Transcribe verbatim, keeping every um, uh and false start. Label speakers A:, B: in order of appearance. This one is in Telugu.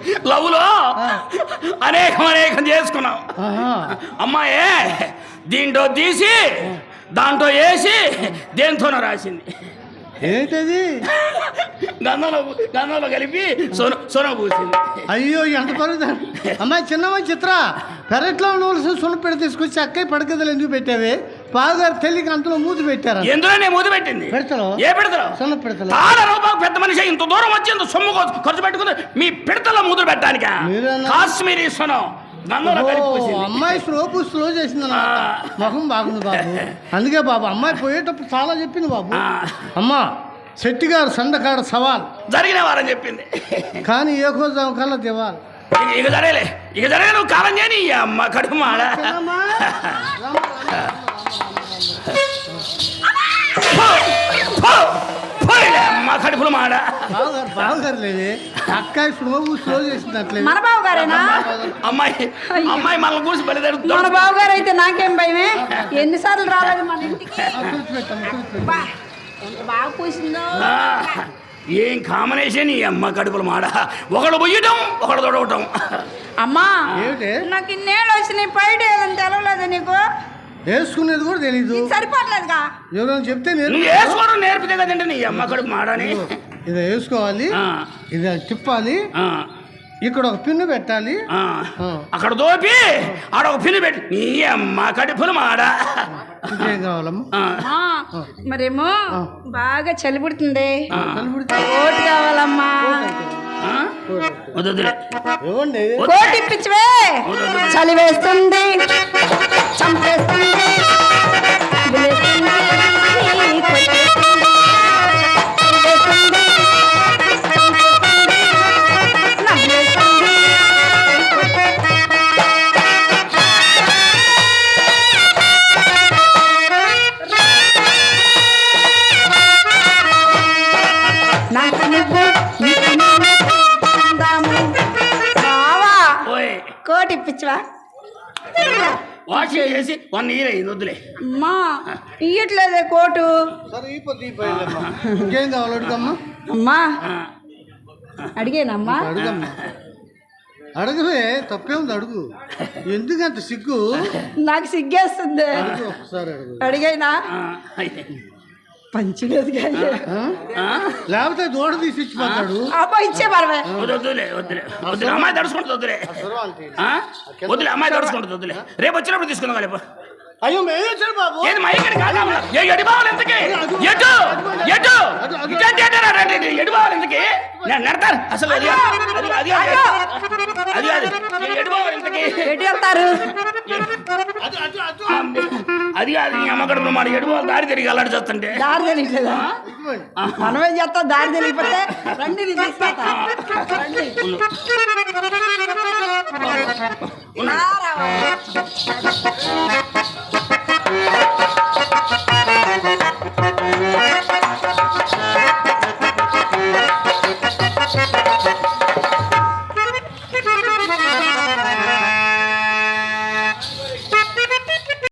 A: లవ్లో అనేకం అనేకం చేసుకున్నాం. అమ్మాయే దీంట్లో తీసి దాంట్లో వేసి దేంతోనో రాసింది.
B: ఏంటది?
A: గంధంలో గంధంలో కలిపి సొన సొన పూసింది.
B: అయ్యో ఎంత పరుగు. అమ్మాయి చిన్నమ్మాయి చిత్ర పెరట్లో ఉండవలసిన సున్నపెడ తీసుకొచ్చి అక్కయ్య పడకదలు ఎందుకు పెట్టావే? బావగారు తెలియక అంతలో మూతి పెట్టారు.
A: ఎందులో నేను మూతి పెట్టింది?
B: పెడతలో ఏ
A: పెడతలో?
B: సున్న పెడతలో.
A: చాలా రూపాయలు పెద్ద మనిషి ఇంత దూరం వచ్చి ఇంత సొమ్ము ఖర్చు పెట్టుకుంది మీ పిడతలో మూతులు పెట్టడానిక? కాశ్మీరీ సొనం
B: అమ్మాయి స్లో స్లో చేసింది మొహం బాగుంది బాబు. అందుకే బాబు అమ్మాయి పోయేటప్పుడు చాలా చెప్పింది బాబు. అమ్మా శెట్టి గారు సందకాడ సవాల్
A: జరిగిన వారని చెప్పింది.
B: కానీ ఏ కోసం కల్లా దివాలి.
A: ఇక జరగలే ఇక జరగలే నువ్వు కాలం చేయని అమ్మ కడుపు మాడ. అమ్మ కడుపులు మాడ.
B: బావగారు లేదే అక్కాయి స్లో స్లో చేసింది.
C: మన బావ గారేనా?
A: అమ్మాయి అమ్మాయి మనల్ని కూర్చి బలిదారు.
C: మన బావ గారు అయితే నాకేం భయమే. ఎన్నిసార్లు రాలేదు మన ఇంటికి. బాగా పూసిందో.
A: ఏం కాంబినేషన్ ఈ అమ్మ కడుపులు మాడ. ఒకడు పొయ్యటం ఒకడు తొడవటం.
C: అమ్మా నాకు ఇన్నేళ్ళు వచ్చినాయి బయట ఏదని తెలవలేదు నీకు.
B: వేసుకునేది కూడా తెలీదు.
C: సరిపోవట్లేదుగా.
B: ఎవరైనా చెప్తే
A: వేసుకోవడం నేర్పితే కదండి నీ అమ్మ కడుపు మాడని.
B: ఇది వేసుకోవాలి, ఇది తిప్పాలి, ఇక్కడ ఒక పిన్ను పెట్టాలి,
A: అక్కడ దోపి ఆడ ఒక పిన్ను పెట్టి నీ అమ్మ కడుపులు మాడ.
B: ఏం కావాలమ్మా?
C: మరేమో బాగా చలి పుడుతుంది, కోటి కావాలమ్మా. కోటి ఇప్పించవే. చలి వేస్తుంది, చంపేస్తుంది. కోటి ఇప్పించవా?
A: వాషింగ్ చేసి వన్ ఇయర్ అయింది. వద్దులే
C: అమ్మా ఇయ్యట్లేదే కోటు.
B: ఇంకేం కావాలి అడుగమ్మా.
C: అమ్మా అడిగేనమ్మా.
B: అడుగమ్మా అడగవే తప్పేముంది అడుగు. ఎందుకంత సిగ్గు?
C: నాకు సిగ్గేస్తుంది.
B: ఒకసారి అడుగు.
C: అడిగైనా పంచలేదు
B: లేకపోతే దూడ తీసి ఇచ్చిపోతాడు.
C: అబ్బా ఇచ్చే పర్వే.
A: వద్దులే వద్దులే వద్దులే అమ్మాయి తడుచుకుంటుంది. వద్దులే వద్దులే అమ్మాయి తడుచుకుంటుంది. వద్దులే రేపు వచ్చినప్పుడు తీసుకుందాం. రేపు
B: అయ్యో మేము వచ్చాను బాబు.
A: ఏది మైకని కాదా? ఎడి బావాలి ఎంతకి? ఎటు ఎటు ఇట్లాంటి ఎడి బావాలి ఎంతకి? నేను నడతాను అసలు. అది అది అది అది అది ఎడి బావాలి ఎంతకి?
C: ఎటు వెళ్తారు?
A: అది అది అమ్మ కడుపులో మాట ఎడు బావాలి. దారి తిరిగి అల్లాడి చేస్తుంటే
C: దారి తెలియట్లేదా? మనమేం చేస్తాం? దారి తెలియకపోతే రండి రండి